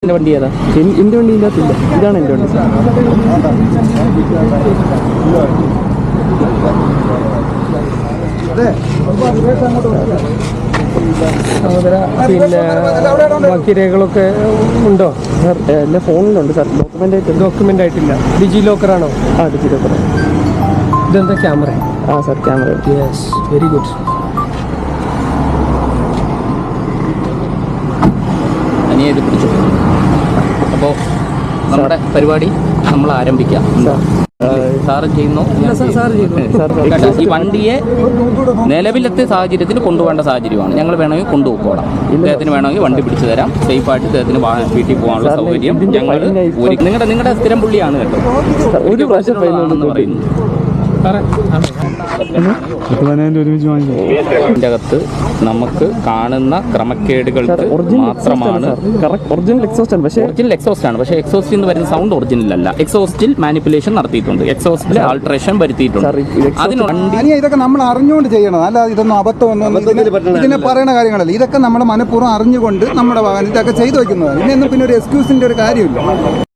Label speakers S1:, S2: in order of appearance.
S1: എൻ്റെ വണ്ടി ഏതാ? എൻ്റെ വണ്ടി ഇല്ലാത്തില്ല, ഇതാണ് എൻ്റെ വണ്ടി.
S2: പിന്നെ ബാക്കി രേഖകളൊക്കെ ഉണ്ടോ
S1: സാർ? എൻ്റെ ഫോണിലുണ്ട് സാർ,
S2: ഡോക്യുമെൻ്റ് ആയിട്ടില്ല. ഡിജി ലോക്കറാണോ?
S1: ആ, ഡിജി ലോക്കർ.
S2: ഇതെന്താ ക്യാമറ?
S1: ആ sir, camera.
S2: Yes, very good.
S3: ഇത് പിടിച്ചു. അപ്പോൾ നമ്മുടെ പരിപാടി നമ്മൾ ആരംഭിക്കാം. സാറ് ചെയ്യുന്നു. ഈ വണ്ടിയെ നിലവിലത്തെ സാഹചര്യത്തിൽ കൊണ്ടുപോകേണ്ട സാഹചര്യമാണ്. ഞങ്ങൾ വേണമെങ്കിൽ കൊണ്ടുപോയിക്കോളാം. ഇദ്ദേഹത്തിന് വേണമെങ്കിൽ വണ്ടി പിടിച്ചു തരാം. സേഫായിട്ട് ഇദ്ദേഹത്തിന് വീട്ടിൽ പോകാനുള്ള സൗകര്യം ഞങ്ങൾ നിങ്ങളുടെ സ്ഥിരം പുള്ളിയാണ് കേട്ടോ.
S1: ഒരു പ്രാവശ്യം
S3: പറയുന്നു. ഇതിൻ്റെ അകത്ത് നമുക്ക് കാണുന്ന ക്രമക്കേടുകൾക്ക് മാത്രമാണ്.
S1: ഒറിജിനൽ
S3: എക്സോസ്റ്റ് ആണ്, പക്ഷേ എക്സോസ്റ്റിൽ നിന്ന് വരുന്ന സൗണ്ട് ഒറിജിനൽ അല്ല. എക്സോസ്റ്റിൽ മാനിപ്പുലേഷൻ നടത്തിയിട്ടുണ്ട്, എക്സോസ്റ്റിൽ ആൾട്രേഷൻ വരുത്തിയിട്ടുണ്ട്.
S4: ഇതൊക്കെ നമ്മൾ അറിഞ്ഞുകൊണ്ട് ചെയ്യണം, അല്ലാതെ ഇതൊന്നും അബദ്ധമൊന്നും ഇതിനെ പറയുന്ന കാര്യങ്ങളല്ല. ഇതൊക്കെ നമ്മുടെ മനഃപൂർവ്വം അറിഞ്ഞുകൊണ്ട് നമ്മുടെ ഇതൊക്കെ ചെയ്തു വയ്ക്കുന്നതാണ്. ഇതിനൊന്നും പിന്നെ ഒരു എക്സ്ക്യൂസിന്റെ ഒരു കാര്യമില്ല.